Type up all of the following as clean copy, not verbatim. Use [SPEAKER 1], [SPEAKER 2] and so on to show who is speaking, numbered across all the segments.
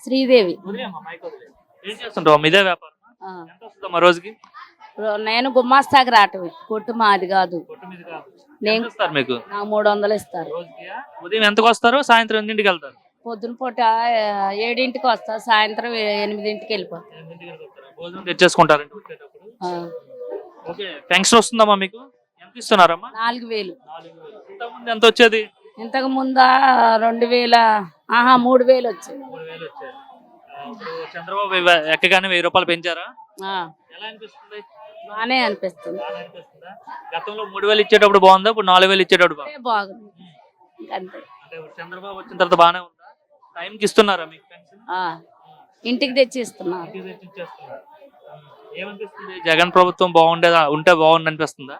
[SPEAKER 1] శ్రీదేవి.
[SPEAKER 2] ఏం చేస్తుంటావు? ఇదే వ్యాపారం
[SPEAKER 1] ఆ.
[SPEAKER 2] ఎంత వస్తుందమ్మా రోజుకి?
[SPEAKER 1] నేను గుమ్మాస్తాకి రావటమే, కొట్టు మాది కాదు.
[SPEAKER 2] కొట్టు మీద కాదు.
[SPEAKER 1] నేను
[SPEAKER 2] ఎంత ఇస్తారు మీకు
[SPEAKER 1] నాకు 300 ఇస్తారు.
[SPEAKER 2] రోజుకి? ఉదయం ఎంతకు వస్తారు, సాయంత్రం ఎన్నింటికి వెళ్తారు?
[SPEAKER 1] పొద్దున పూట 7ంటికి వస్తా, సాయంత్రం 8ంటికి వెళ్ళిపోతా.
[SPEAKER 2] భోజనం తెచ్చేసుకుంటారంటే వచ్చేటప్పుడు?
[SPEAKER 1] ఆ.
[SPEAKER 2] ఓకే. పెన్షన్ వస్తుందమ్మా మీకు? ఎంత ఇస్తున్నారమ్మా?
[SPEAKER 1] 4000.
[SPEAKER 2] 4000. ఇంతకుముందు ఎంత వచ్చేది?
[SPEAKER 1] ఇంతకు ముందా 2000, 3000 వచ్చాయి.
[SPEAKER 2] 3000 వచ్చేది. ఇప్పుడు చంద్రబాబు ఎక్కగానే 1000 రూపాయలు పెంచారా?
[SPEAKER 1] ఆ,
[SPEAKER 2] ఎలా అనిపిస్తుంది?
[SPEAKER 1] బానే అనిపిస్తుంది.
[SPEAKER 2] బాగా అనిపిస్తుందా? గతంలో 3000 ఇచ్చేటప్పుడు బాగుందా, ఇప్పుడు 4000 ఇచ్చేటప్పుడు బాగుందా?
[SPEAKER 1] బాగుంది. ఇంకంతే.
[SPEAKER 2] అంటే ఇప్పుడు చంద్రబాబు వచ్చిన తర్వాత బాగానే ఉందా? టైంకి ఇస్తున్నారా మీకు పెన్షన్?
[SPEAKER 1] ఆ, ఇంటికి తెచ్చి ఇస్తున్నారు.
[SPEAKER 2] ఇంటికి తెచ్చి ఇచ్చేస్తున్నారు. ఏమనిపిస్తుంది? జగన్ ప్రభుత్వం బాగుండేదా, ఉంటే బాగుంది అనిపిస్తుందా?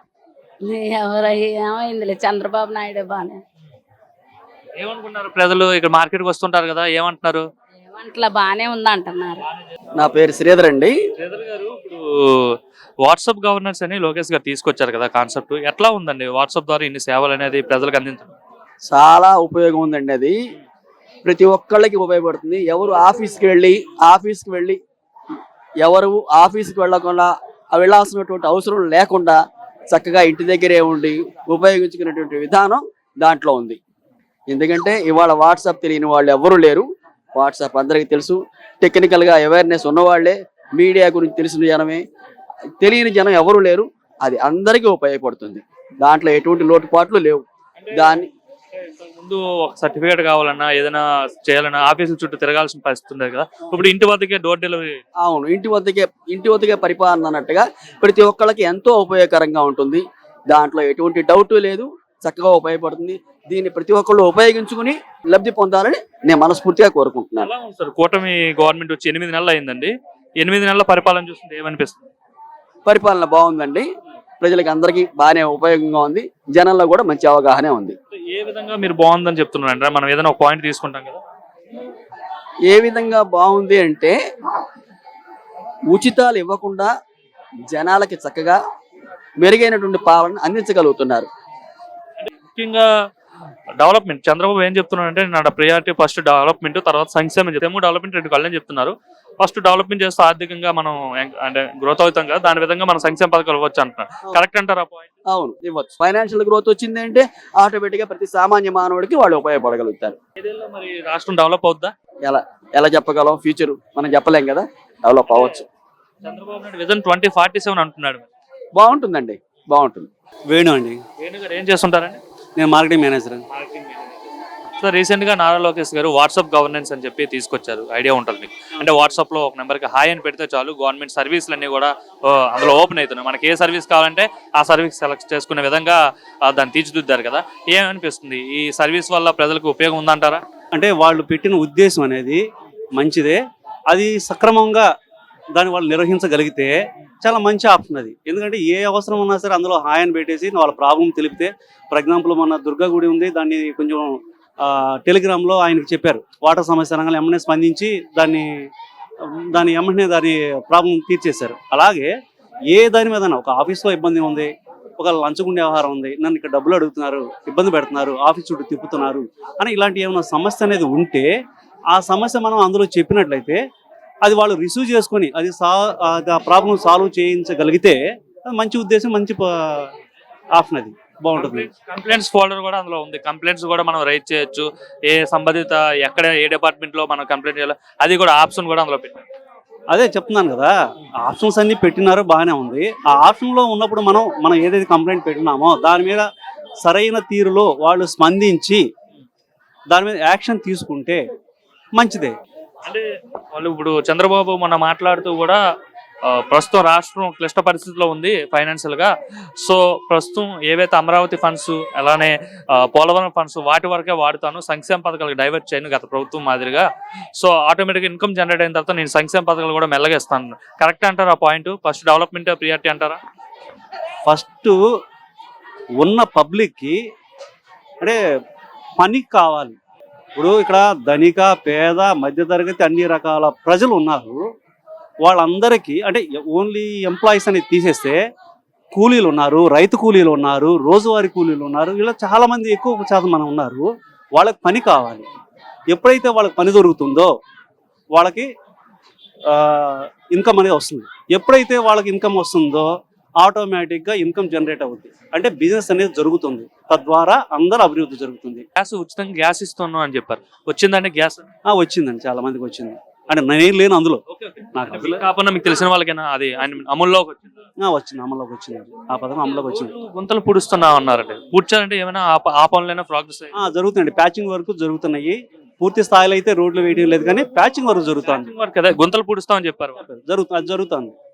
[SPEAKER 1] ఏమైందిలే, చంద్రబాబు నాయుడు బానే.
[SPEAKER 2] ఏమనుకున్నారు ప్రజలు? ఇక్కడ మార్కెట్కి వస్తుంటారు కదా, ఏమంటున్నారు?
[SPEAKER 1] ఏమంటలా, బానే ఉంది అంటున్నారు.
[SPEAKER 3] నా పేరు శ్రీధర్ అండి.
[SPEAKER 2] శ్రీధర్ గారు, ఇప్పుడు వాట్సాప్ గవర్నెన్స్ అని లోకేష్ గారు తీసుకొచ్చారు కదా కాన్సెప్ట్, ఎట్లా ఉందండి? వాట్సాప్ ద్వారా ఇన్ని సేవలు అనేది ప్రజలకు అందించడం
[SPEAKER 3] చాలా ఉపయోగం ఉందండి. అది ప్రతి ఒక్కళ్ళకి ఉపయోగపడుతుంది. ఎవరు ఆఫీస్కి వెళ్ళి ఎవరు ఆఫీస్కి వెళ్ళకుండా వెళ్ళాల్సినటువంటి అవసరం లేకుండా చక్కగా ఇంటి దగ్గరే ఉండి ఉపయోగించుకునేటువంటి విధానం దాంట్లో ఉంది. ఎందుకంటే ఇవాళ వాట్సాప్ తెలియని వాళ్ళు ఎవరు లేరు. వాట్సాప్ అందరికీ తెలుసు. టెక్నికల్గా అవేర్నెస్ ఉన్నవాళ్లే, మీడియా గురించి తెలిసిన జనమే, తెలియని జనం ఎవరు లేరు. అది అందరికీ ఉపయోగపడుతుంది. దాంట్లో ఎటువంటి లోటుపాట్లు లేవు. దాన్ని
[SPEAKER 2] ముందు ఒక సర్టిఫికేట్ కావాలన్నా, ఏదైనా చేయాలన్నా ఆఫీసుల చుట్టూ తిరగాల్సిన పరిస్థితి ఉండేది కదా, ఇప్పుడు ఇంటి వద్దకే డోర్ డెలివరీ.
[SPEAKER 3] అవును, ఇంటి వద్దకే పరిపాలన అన్నట్టుగా ప్రతి ఒక్కళ్ళకి ఎంతో ఉపయోగకరంగా ఉంటుంది. దాంట్లో ఎటువంటి డౌట్ లేదు. చక్కగా ఉపయోగపడుతుంది. దీన్ని ప్రతి ఒక్కళ్ళు ఉపయోగించుకుని లబ్ధి పొందాలని నేను మనస్ఫూర్తిగా కోరుకుంటున్నాను.
[SPEAKER 2] ఎలా ఉంది సార్? కూటమి గవర్నమెంట్ వచ్చి 8 నెలలు అయిందండి. 8 నెలల పరిపాలన చూస్తుంటే ఏమనిపిస్తుంది?
[SPEAKER 3] పరిపాలన బాగుందండి. ప్రజలకి అందరికీ బాగానే ఉపయోగంగా ఉంది. జనంలో కూడా మంచి అవగాహన ఉంది.
[SPEAKER 2] ఏ విధంగా మీరు బాగుందని చెప్తున్నారంటే, మనం ఏదైనా ఒక పాయింట్ తీసుకుంటాం కదా,
[SPEAKER 3] ఏ విధంగా బాగుంది అంటే, ఉచితాలు ఇవ్వకుండా జనాలకి చక్కగా మెరుగైనటువంటి పాలన అందించగలుగుతున్నారు.
[SPEAKER 2] ముఖ్యంగా డెవలప్మెంట్. చంద్రబాబు ఏం చెప్తున్నారంటే, నా ప్రయారిటీ ఫస్ట్ డెవలప్మెంట్, తర్వాత సంక్షేమం. డెవలప్మెంట్ 2 కళ్ళని చెప్తున్నారు. ఫస్ట్ డెవలప్మెంట్ చేస్తే ఆర్థికంగా మనం అంటే గ్రోత్ అవుతాం కదా, దాని విధంగా మనం సంక్షేమ పథకాలు ఇవ్వచ్చు అంటున్నారు. కరెక్ట్ అంటారా పాయింట్?
[SPEAKER 3] అవును, ఇవ్వచ్చు. ఫైనాన్షియల్ గ్రోత్ వచ్చింది అంటే ఆటోమేటిక్ గా ప్రతి సామాన్య మానవుడికి వాళ్ళు ఉపయోగపడగలుగుతారు.
[SPEAKER 2] ఏదేళ్ళలో మరి రాష్ట్రం డెవలప్ అవుద్దా?
[SPEAKER 3] ఎలా చెప్పగలం? ఫ్యూచర్ మనం చెప్పలేం కదా. డెవలప్ అవ్వచ్చు.
[SPEAKER 2] చంద్రబాబు నాయుడు విజన్ 2047 అంటున్నాడు.
[SPEAKER 3] బాగుంటుందండి, బాగుంటుంది.
[SPEAKER 4] వేణు అండి.
[SPEAKER 2] వేణు గారు ఏం చేస్తుంటారండి?
[SPEAKER 4] నేను మార్కెటింగ్ మేనేజర్.
[SPEAKER 2] సో రీసెంట్ గా నారా లోకేష్ గారు వాట్సాప్ గవర్నెన్స్ అని చెప్పి తీసుకొచ్చారు. ఐడియా ఉంటుంది మీకు? అంటే వాట్సాప్ లో ఒక నెంబర్ కి హాయ్ అని పెడితే చాలు, గవర్నమెంట్ సర్వీసులు అన్ని కూడా అందులో ఓపెన్ అవుతున్నాయి. మనకి ఏ సర్వీస్ కావాలంటే ఆ సర్వీస్ సెలెక్ట్ చేసుకునే విధంగా దాన్ని తీర్చిదిద్దారు కదా. ఏమనిపిస్తుంది? ఈ సర్వీస్ వల్ల ప్రజలకు ఉపయోగం ఉందంటారా?
[SPEAKER 4] అంటే వాళ్ళు పెట్టిన ఉద్దేశం అనేది మంచిదే. అది సక్రమంగా దాన్ని వాళ్ళు నిర్వహించగలిగితే చాలా మంచి ఆప్షన్ అది. ఎందుకంటే ఏ అవసరం ఉన్నా సరే అందులో హాయ్ అని పెట్టేసి వాళ్ళ ప్రాబ్లం తెలిపితే, ఫర్ ఎగ్జాంపుల్ మన దుర్గా గుడి ఉంది, దాన్ని కొంచెం టెలిగ్రామ్లో ఆయనకి చెప్పారు, వాటర్ సమస్య అనగానే ఎమ్మనే స్పందించి దాని ఎమ్మనే దాని ప్రాబ్లం తీర్చేశారు. అలాగే ఏ దాని మీద ఒక ఆఫీస్లో ఇబ్బంది ఉంది, ఒక లంచగుండే వ్యవహారం ఉంది, నన్ను ఇక్కడ డబ్బులు అడుగుతున్నారు, ఇబ్బంది పెడుతున్నారు, ఆఫీస్ చుట్టూ తిప్పుతున్నారు అని ఇలాంటి ఏమైనా సమస్య అనేది ఉంటే ఆ సమస్య మనం అందులో చెప్పినట్లయితే అది వాళ్ళు రిసీవ్ చేసుకొని అది ఆ ప్రాబ్లం సాల్వ్ చేయించగలిగితే అది మంచి ఉద్దేశం, మంచి ఆప్షన్. అది బాగుంటుంది.
[SPEAKER 2] కంప్లైంట్స్ ఫోల్డర్ కూడా అందులో ఉంది. కంప్లైంట్స్ కూడా మనం రైట్ చేయొచ్చు. ఏ సంబంధిత ఎక్కడ ఏ డిపార్ట్మెంట్ లో మనం కంప్లైంట్ చేయాలి, అది కూడా ఆప్షన్ కూడా అందులో పెట్టారు.
[SPEAKER 4] అదే చెప్తున్నాను కదా, ఆప్షన్స్ అన్ని పెట్టినారో బాగానే ఉంది. ఆ ఆప్షన్ లో ఉన్నప్పుడు మనం ఏదైతే కంప్లైంట్ పెట్టినామో దాని మీద సరైన తీరులో వాళ్ళు స్పందించి దాని మీద యాక్షన్ తీసుకుంటే మంచిదే.
[SPEAKER 2] అంటే వాళ్ళు ఇప్పుడు చంద్రబాబు మొన్న మాట్లాడుతూ కూడా ప్రస్తుతం రాష్ట్రం క్లిష్ట పరిస్థితిలో ఉంది ఫైనాన్షియల్ గా. సో ప్రస్తుతం ఏవైతే అమరావతి ఫండ్స్, అలానే పోలవరం ఫండ్స్ వాటి వరకే వాడుతాను, సంక్షేమ పథకాలకు డైవర్ట్ చేయను గత ప్రభుత్వం మాదిరిగా. సో ఆటోమేటిక్ ఇన్కమ్ జనరేట్ అయిన తర్వాత నేను సంక్షేమ పథకాలు కూడా మెల్లగా ఇస్తాను. కరెక్ట్ అంటారా పాయింట్? ఫస్ట్ డెవలప్మెంట్ ప్రియారిటీ అంటారా?
[SPEAKER 4] ఫస్ట్ ఉన్న పబ్లిక్కి అంటే పని కావాలి. ఇప్పుడు ఇక్కడ ధనిక, పేద, మధ్యతరగతి అన్ని రకాల ప్రజలు ఉన్నారు. వాళ్ళందరికీ అంటే ఓన్లీ ఎంప్లాయీస్ అనేది తీసేస్తే కూలీలు ఉన్నారు, రైతు కూలీలు ఉన్నారు, రోజువారీ కూలీలు ఉన్నారు, ఇలా చాలామంది ఎక్కువ శాతం మనం ఉన్నారు. వాళ్ళకి పని కావాలి. ఎప్పుడైతే వాళ్ళకి పని దొరుకుతుందో వాళ్ళకి ఇన్కమ్ అనేది వస్తుంది. ఎప్పుడైతే వాళ్ళకి ఇన్కమ్ వస్తుందో ఆటోమేటిక్గా ఇన్కమ్ జనరేట్ అవుతుంది, అంటే బిజినెస్ అనేది జరుగుతుంది, తద్వారా అందరూ అభివృద్ధి జరుగుతుంది.
[SPEAKER 2] గ్యాస్ ఉచితంగా గ్యాస్ ఇస్తున్నాం అని చెప్పారు, వచ్చిందండి గ్యాస్?
[SPEAKER 4] వచ్చిందండి, చాలా మందికి వచ్చింది. అంటే నేను లేను అందులో, నాకు అందులో
[SPEAKER 2] కాకుండా మీకు తెలిసిన వాళ్ళకైనా అది ఆయన అమల్లోకి వచ్చింది?
[SPEAKER 4] వచ్చింది, అమల్లోకి వచ్చింది, ఆ పథకం అమల్లోకి వచ్చింది.
[SPEAKER 2] గుంతలు పూడుస్తున్నా అన్నారండి, పూడ్చాలంటే ఏమైనా ఆ పనులైనా ప్రోగ్రెస్
[SPEAKER 4] జరుగుతుందండి, ప్యాచింగ్ వర్క్ జరుగుతున్నాయి. పూర్తి స్థాయిలో అయితే రోడ్లు వేయడం లేదు కానీ ప్యాచింగ్ వర్క్ జరుగుతుంది.
[SPEAKER 2] వర్క్ అదే గుంతలు పూడుస్తామని చెప్పారు.
[SPEAKER 4] జరుగుతుంది.